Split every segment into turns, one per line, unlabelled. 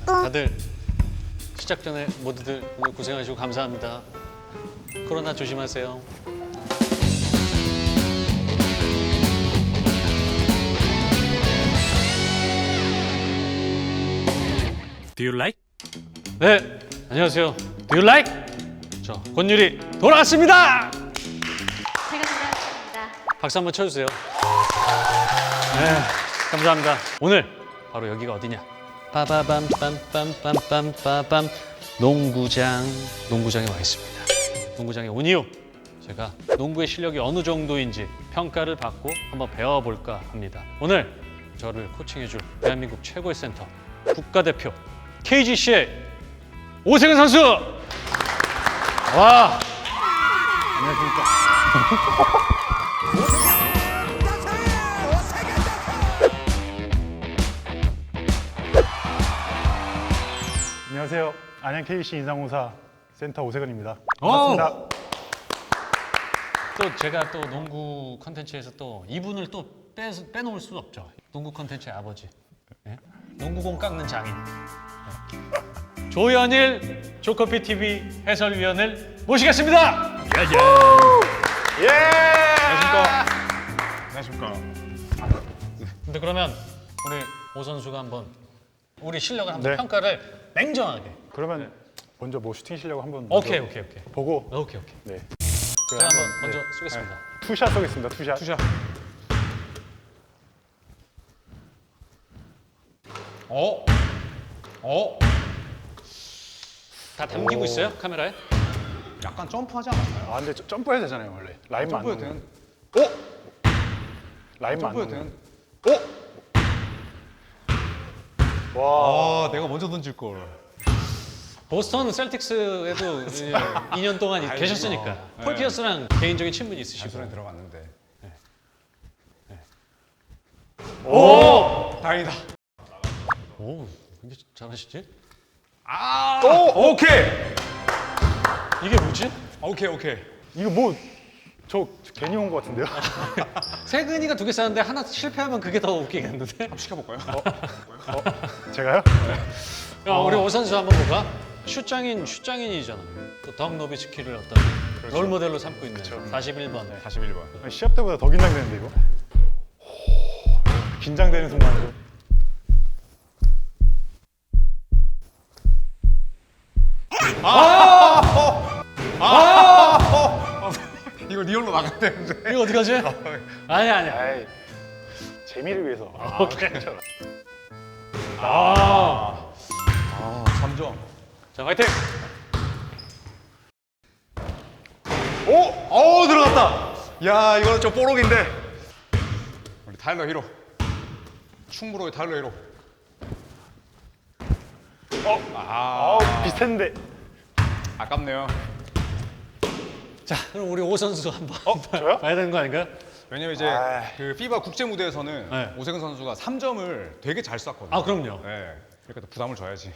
다들 시작 전에 모두들 오늘 고생하시고 감사합니다. 코로나 조심하세요.
Do you like?
네, 안녕하세요. Do you like? 저 권유리 돌아왔습니다.
제가 돌아왔습니다.
박수 한번 쳐주세요. 네, 감사합니다. 오늘 바로 여기가 어디냐? 빠바밤빰빰빰빰빠밤 농구장에 와 있습니다. 농구장에 온 이유 제가 농구의 실력이 어느 정도인지 평가를 받고 한번 배워볼까 합니다. 오늘 저를 코칭해줄 대한민국 최고의 센터 국가대표 KGC의 오세근 선수. 와. 안녕하십니까.
안녕하세요. 안양 KC 인상공사 센터 오세근입니다. 반갑습니다.
또 제가 또 농구 컨텐츠에서 또 이분을 또 빼놓을 수 없죠. 농구 컨텐츠의 아버지. 네? 농구공 깎는 장인. 네. 조현일 조커피 TV 해설위원을 모시겠습니다.
예!
안녕하십니까.
안녕하십니까.
근데 그러면 우리 오 선수가 한번 우리 실력을 한번
네.
평가를 냉정하게.
그러면 먼저 뭐 슈팅 실력 한번
오케이.
보고
오케이.
네.
제가 한번 먼저 쏘겠습니다.
투샷 쏘겠습니다. 투샷.
다 담기고 있어요? 카메라에?
약간 점프하지 않았나요?
아 근데 점프해야 되잖아요 원래. 라인만 안
점프해도
넘으면.
되는.
라인만 안
점프해도
넘으면.
되는.
와.
아, 내가 먼저 던질 걸.
보스턴 셀틱스에도 2년 동안 계셨으니까 폴 피어스랑 개인적인 친분이 있으시고.
단순히 들어갔는데.
오!
다행이다.
오, 굉장히 잘하시지?
오케이.
이게 뭐지?
오케이.
이거 뭐 저 괜히 온 것 같은데요?
세근이가 2개 쌌는데 하나 실패하면 그게 더 웃기겠는데?
한번 시켜볼까요?
제가요?
야, 우리 오 선수 한번 볼까? 슛장인이잖아. 또 덕 노비츠키를 어떤 롤 모델로 삼고 있는 41번.
41번.
아니, 시합 때보다 더 긴장되는데 이거? 긴장되는 순간이죠.
이거 리얼로 나가야 되는데.
이거 어떡하지? 아니야.
아이 재미를 위해서.
오케이.
아, 3점.
자, 화이팅!
오, 들어갔다. 야, 이거는 좀 뽀록인데. 우리 타일러 히로. 충무로의 타일러 히로.
비슷했는데.
아깝네요.
자, 그럼 우리 오 선수 한번
저요?
봐야 되는 거 아닌가요?
왜냐면 이제
아이.
그 피바 국제 무대에서는
네.
오세근 선수가 3점을 되게 잘 쐈거든요.
아, 그럼요.
네. 그러니까 또 부담을 줘야지.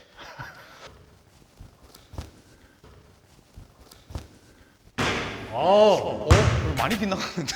많이 빗나갔는데.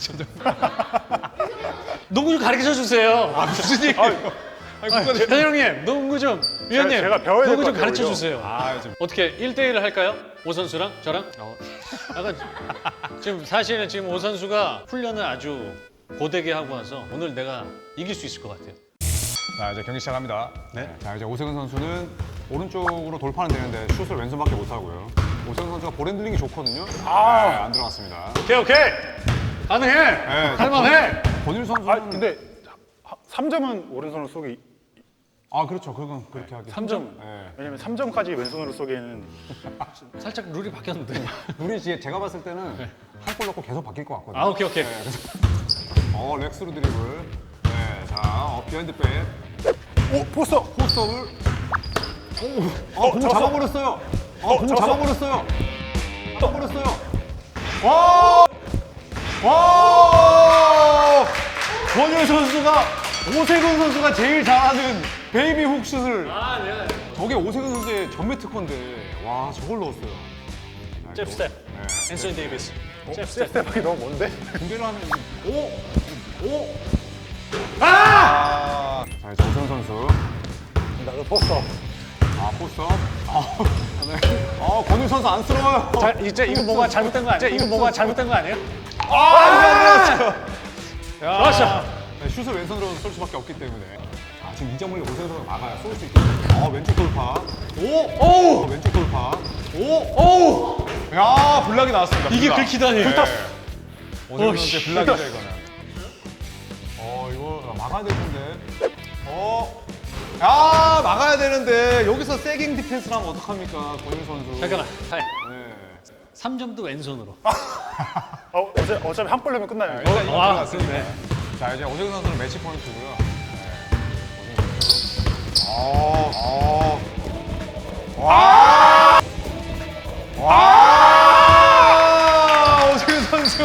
농구 좀 가르쳐 주세요.
무슨 얘기예요? 아니, 국가대표.
현영님, 농구 좀, 위원님,
제가 배워야 될
농구
것
좀
같아요,
가르쳐
오히려.
주세요.
아, 좀.
어떻게 1대1을 할까요? 오 선수랑 저랑? 약간 지금 사실은 지금 오 선수가 훈련을 아주 고되게 하고 와서 오늘 내가 이길 수 있을 것 같아요.
자, 이제 경기 시작합니다.
네.
자, 이제 오세근 선수는 오른쪽으로 돌파는 되는데 슛을 왼손밖에 못 하고요. 오세근 선수가 볼 핸들링이 좋거든요. 네, 안 들어갔습니다.
오케이. 가능해. 할만해.
권일 선수는
아 근데 3점은 오른손으로 쏘기.
그렇죠. 그건 그렇게 하기.
3점.
네.
왜냐면 3점까지 왼손으로 쏘기에는
살짝 룰이 바뀌었는데.
우리 제가 봤을 때는 한 골 넣고 계속 바뀔 것 같거든요.
아, 오케이.
렉스로 드리블. 네, 자, 비하인드 백.
오 포스터.
포스업을. 공 잡아버렸어요. 공 잡아버렸어요. 와! 권율 선수가 오세근 선수가 제일 잘하는 베이비 훅슛을. 저게 오세근 선수의 전매 특허인데 와 저걸 넣었어요.
잽 스텝. 앤서니 데이비스. 잽 스텝.
스텝이 너무 뭔데?
공개를 하면 자 이제 오세근 선수.
나도 포스터.
포스업. 권율 선수 안쓰러워요.
자, 이제 이거 뭐가 잘못된 거 아니에요? 이거 뭐가 잘못된 거 아니에요?
이거 안 들어갔어요. 야,
좋았어.
네, 슛을 왼손으로 쏠 수밖에 없기 때문에. 지금 이점을 오세훈 선수가 막아요. 쏠 수 있게. 왼쪽 돌파. 오! 왼쪽 돌파. 오! 야, 블락이 나왔습니다.
이게
블락.
긁히다니.
오세훈 선수의 블락이죠, 이거는. 이거 막아야 될 텐데. 야, 막아야 되는데 여기서 세깅 디펜스를 하면 어떡합니까, 권율 선수.
잠깐만. 타임.
네.
3점도 왼손으로.
어차피 한 골 넣으면 끝나요.
일단 이거
와,
들어갔습니다.
그렇네.
자, 이제 오세훈 선수는 매치 포인트고요. 오세훈 선수.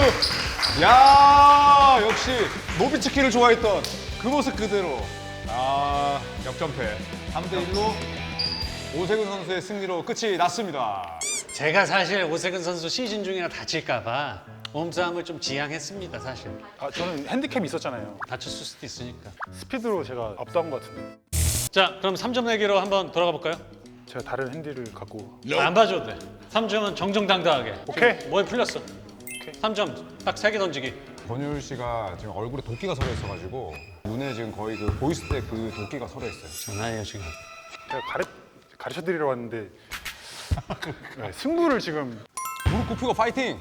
야, 역시 노비츠키를 좋아했던 그 모습 그대로. 역전패. 3대1로 오세훈 선수의 승리로 끝이 났습니다.
제가 사실 오세근 선수 시즌 중이라 다칠까봐 몸싸움을 좀 지양했습니다, 사실.
저는 핸디캡이 있었잖아요.
다쳤을 수도 있으니까.
스피드로 제가 압도한 것 같은데.
자, 그럼 3점 내기로 한번 돌아가 볼까요?
제가 다른 핸디를 갖고.
안 봐줘도 돼. 3점은 정정당당하게.
오케이.
지금 뭐에 풀렸어? 3점 딱 3개 던지기.
권율 씨가 지금 얼굴에 도끼가 서려 있어가지고 눈에 지금 거의 그 보이스 때 그 도끼가 서려 있어요.
장난이에요, 지금.
제가 가르쳐드리러 왔는데 네, 승부를 지금.
무릎 꿇히고 파이팅!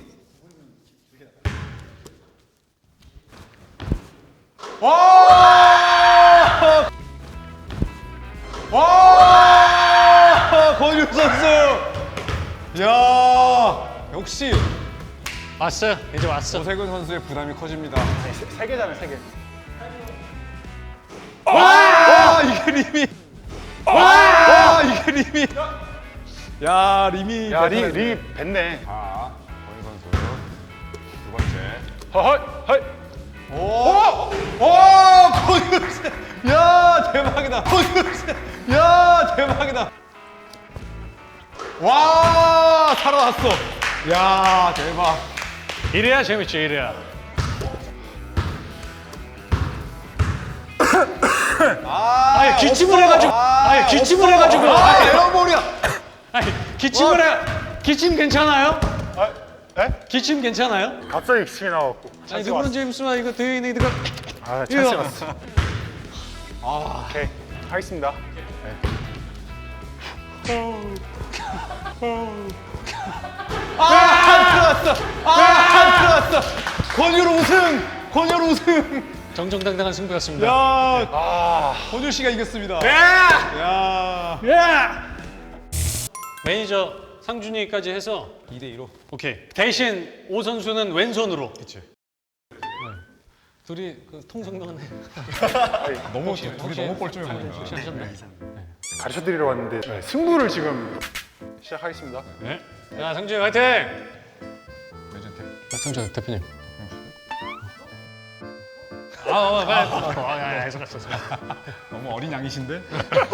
와! 권율 선수! 야, 역시
왔어요. 이제 왔어.
오세근 선수의 부담이 커집니다.
세 개잖아요, 세 개.
와! 이게 리미! 와! 이게 리미! 야, 리미.
야,
대단했네.
리 뱉네.
자, 권율 선수 두 번째.
허허이, 허이.
권율 씨! 야, 대박이다. 권율 씨! 야, 대박이다. 와, 살아났어. 야, 대박.
이래야 재밌지, 이래야. 기침을 해가지고. 기침을 해가지고.
에어볼이야.
기침을 해. 기침 괜찮아요?
에?
기침 괜찮아요?
갑자기 기침이 나와갖고.
아니, 르브론 제임스와 이거 대인이 이거.
찬스 왔어. 오케이, 하겠습니다.
들어갔어. 권율 우승. 권율 우승.
정정당당한 승부였습니다.
야, 권율 씨가 이겼습니다. 야.
매니저 상준이까지 해서
2대2로.
오케이. 대신 오 선수는 왼손으로.
그치.
둘이 그 통성명하네.
너무 둘이 너무 뻘쭘해 보인다.
혹시 하셨나요?
가르쳐드리러 왔는데 승부를 지금 시작하겠습니다.
네. 자, 상준이 화이팅!
레전드.
상준 대표님. 빨리. 해석했어.
너무 어린 양이신데?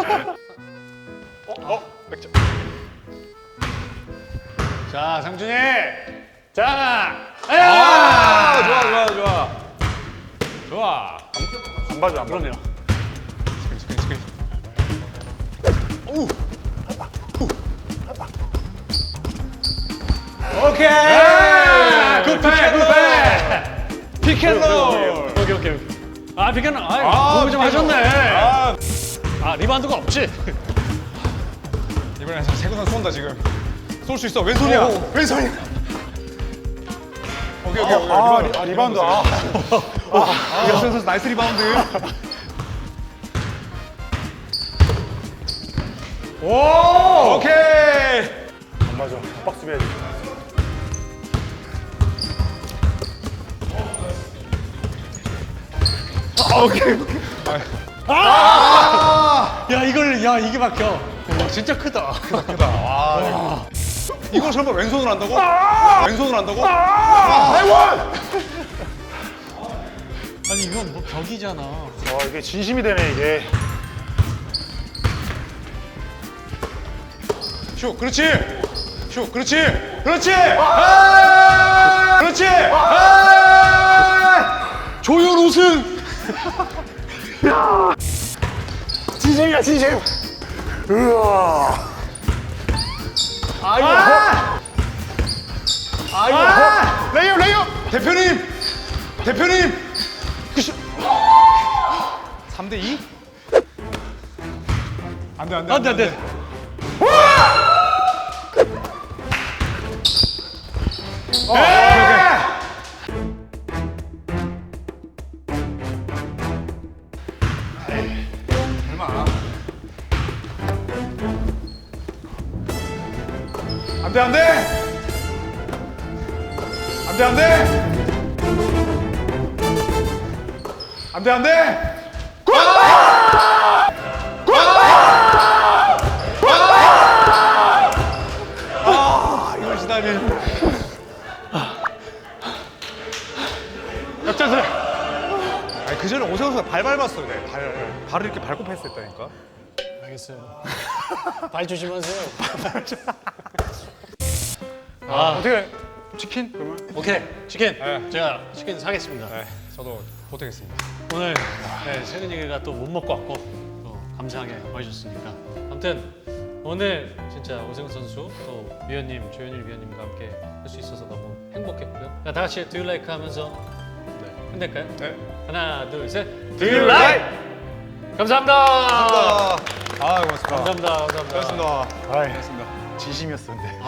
맥주.
자, 상준이. 자,
좋아.
안 봐줘, 안 봐줘.
그럼요.
오케이.
굿패.
피켓롤.
오케이. 피켓롤. 공부 좀 하셨네. 리바운드가 없지.
이번엔 세근선 쏜다 지금. 쏠 수 있어. 왼손이야. 왼손이야. 오케이.
리바운드.
이현선 선수 나이스 리바운드. 오케이.
안 맞아. 박스 비해야 돼.
야, 이게 막혀. 진짜 크다.
이걸 설마 왼손으로 한다고? 왼손으로 한다고?
아니, 이건 뭐 벽이잖아.
이게 진심이 되네, 이게.
슛, 그렇지. 그렇지. 조율 우승.
진심이야, 진심. 레이업 레이업.
대표님 3대2?
안돼. 안돼.
이걸 지다니.
역전승.
아니 그 전에 오세훈 선수가 발 밟았어요. 발을 이렇게 밟고 패스했다니까.
알겠어요. 발 조심하세요.
어떻게 치킨 그러면?
오케이 치킨.
네.
제가 치킨 사겠습니다.
네, 저도 보태겠습니다.
오늘 세근이가 또 못 먹고 왔고 또 감사하게 와주셨으니까 아무튼 오늘 진짜 오세훈 선수 또 위원님 조현일 위원님과 함께 할 수 있어서 너무 행복했고요. 자, 다 같이 Do You Like 하면서 끝낼까요?
네.
하나 둘 셋. Do You Like. 감사합니다.
고맙습니다.
감사합니다.
고맙습니다.
아이, 진심이었었는데.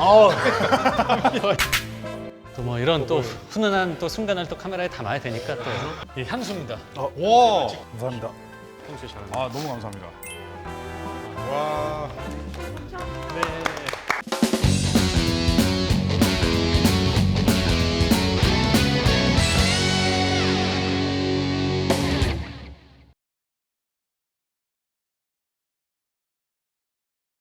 또 뭐 이런 또 훈훈한 또 순간을 또 카메라에 담아야 되니까 또 이 향수입니다.
와.
감사합니다.
평소에 잘하는.
너무 감사합니다.